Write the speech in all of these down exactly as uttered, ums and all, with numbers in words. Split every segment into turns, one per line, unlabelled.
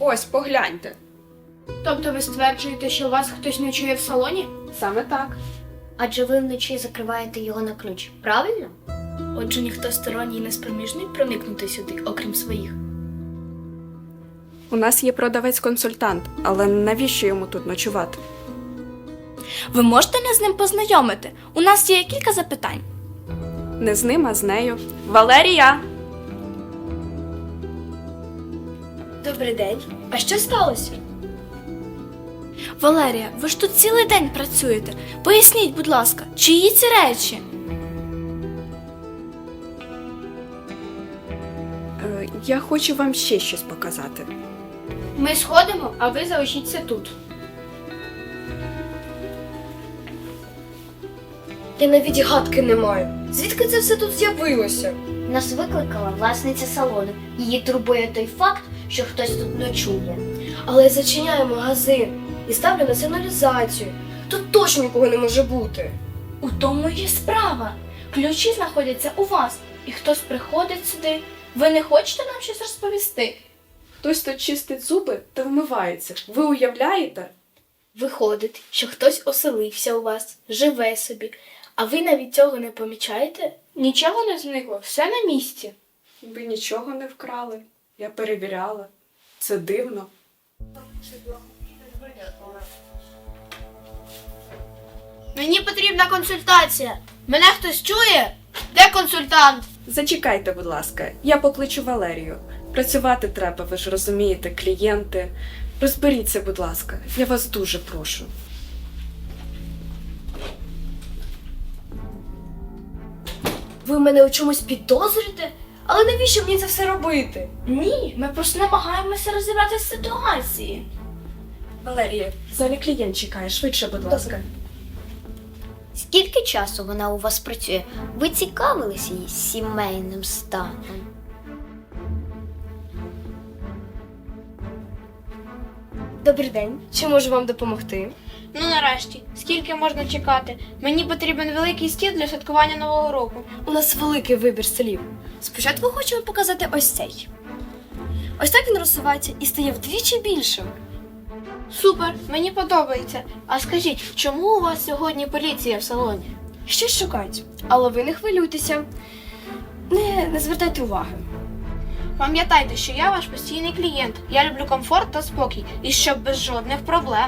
Ось, погляньте.
Тобто ви стверджуєте, що вас хтось ночує в салоні?
Саме так.
Адже ви вночі закриваєте його на ключ, правильно?
Отже, ніхто сторонній не спроможний проникнути сюди, окрім своїх.
У нас є продавець-консультант, але навіщо йому тут ночувати?
Ви можете нас з ним познайомити? У нас є кілька запитань.
Не з ним, а з нею. Валерія!
Добрий день. А що сталося? Валерія, ви ж тут цілий день працюєте. Поясніть, будь ласка, чиї ці речі?
Е, я хочу вам ще щось показати.
Ми сходимо, а ви залишіться тут.
Я навіть гадки не маю. Звідки це все тут з'явилося?
Нас викликала власниця салону. Її турбує той факт, що хтось тут ночує.
Але я зачиняю магазин і ставлю на сигналізацію. Тут точно нікого не може бути.
У тому і справа. Ключі знаходяться у вас, і хтось приходить сюди. Ви не хочете нам щось розповісти?
Хтось тут чистить зуби та вмивається. Ви уявляєте?
Виходить, що хтось оселився у вас, живе собі, а ви навіть цього не помічаєте? Нічого не зникло, все на місці.
Ви нічого не вкрали. Я перевіряла. Це дивно.
Мені потрібна консультація. Мене хтось чує? Де консультант?
Зачекайте, будь ласка, я покличу Валерію. Працювати треба, ви ж розумієте, клієнти. Розберіться, будь ласка, я вас дуже прошу.
Ви мене у чомусь підозрюєте? Але навіщо мені це все робити?
Ні, ми просто намагаємося розібратися з ситуації.
Валерія, в залі клієнт чекає, швидше, будь ласка.
Скільки часу вона у вас працює? Ви цікавилися її сімейним станом?
Добрий день. Чи можу вам допомогти?
Ну нарешті, скільки можна чекати? Мені потрібен великий стіл для святкування Нового року.
У нас великий вибір столів. Спочатку хочемо показати ось цей. Ось так він розсувається і стає вдвічі більшим.
Супер, мені подобається. А скажіть, чому у вас сьогодні поліція в салоні?
Щось шукають. Але ви не хвилюйтеся. Не, не звертайте уваги.
Пам'ятайте, що я ваш постійний клієнт. Я люблю комфорт та спокій, і щоб без жодних проблем.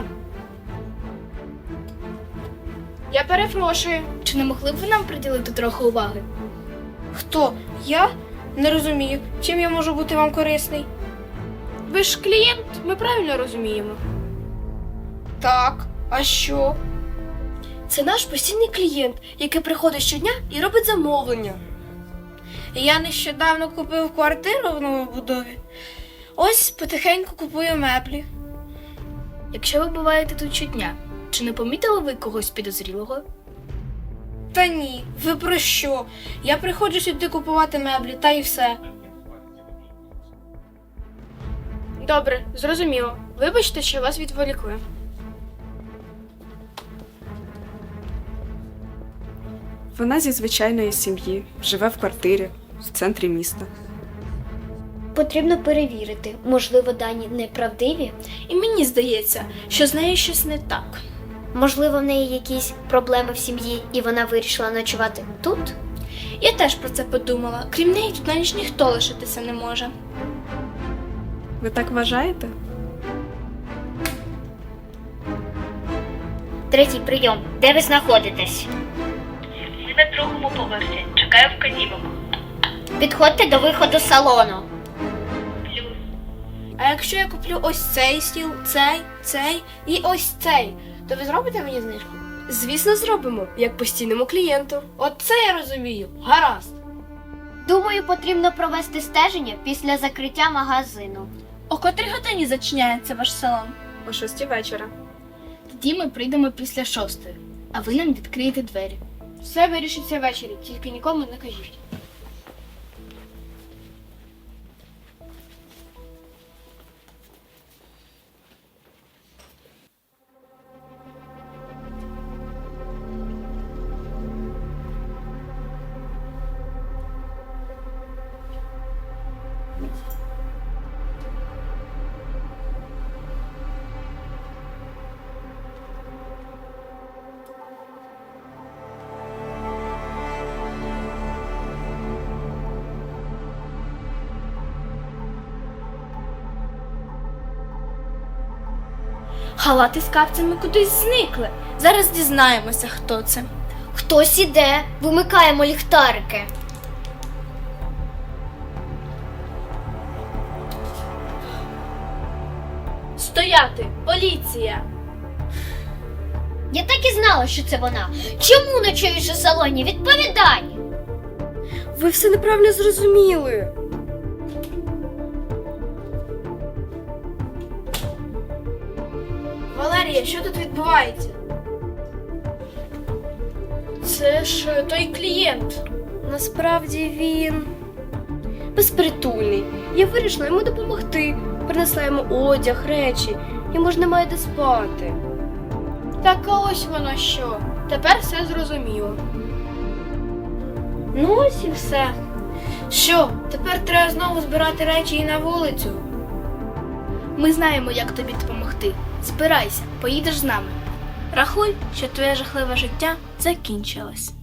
Я перепрошую, чи не могли б ви нам приділити трохи уваги?
Хто? Я? Не розумію, чим я можу бути вам корисний?
Ви ж клієнт, ми правильно розуміємо.
Так, а що?
Це наш постійний клієнт, який приходить щодня і робить замовлення.
Я нещодавно купив квартиру в новобудові. Ось потихеньку купую меблі.
Якщо ви буваєте тут щодня, чи не помітили ви когось підозрілого?
Та ні, ви про що? Я приходжу сюди купувати меблі, та й все.
Добре, зрозуміло. Вибачте, що вас відволікли.
Вона зі звичайної сім'ї, живе в квартирі, в центрі міста.
Потрібно перевірити. Можливо, дані неправдиві?
І мені здається, що з нею щось не так.
Можливо, в неї якісь проблеми в сім'ї і вона вирішила ночувати тут?
Я теж про це подумала. Крім неї, тут на ніч ніхто лишитися не може.
Ви так вважаєте?
Третій прийом. Де ви знаходитесь?
Ми на другому поверсі. Чекаю вказівок.
Підходьте до виходу салону.
Плюс.
А якщо я куплю ось цей стіл, цей, цей і ось цей, то ви зробите мені знижку?
Звісно, зробимо, як постійному клієнту.
От це я розумію. Гаразд.
Думаю, потрібно провести стеження після закриття магазину.
О котрій годині зачиняється ваш салон?
О шостій вечора.
Тоді ми прийдемо після шостої, а ви нам відкриєте двері.
Все вирішиться ввечері, тільки нікому не кажіть.
Халати з капцями кудись зникли. Зараз дізнаємося, хто це.
Хтось іде, вимикаємо ліхтарики.
Стояти! Поліція!
Я так і знала, що це вона. Чому ночуєш у салоні? Відповідай!
Ви все неправильно зрозуміли.
Валерія, що тут відбувається?
Це ж е, той клієнт.
Насправді він безпритульний. Я вирішила йому допомогти. Принесла йому одяг, речі. Йому ж немає де спати.
Так а ось воно що. Тепер все зрозуміло.
Ну ось і все. Що, тепер треба знову збирати речі і на вулицю?
Ми знаємо, як тобі допомогти. Збирайся, поїдеш з нами. Рахуй, що твоє жахливе життя закінчилось.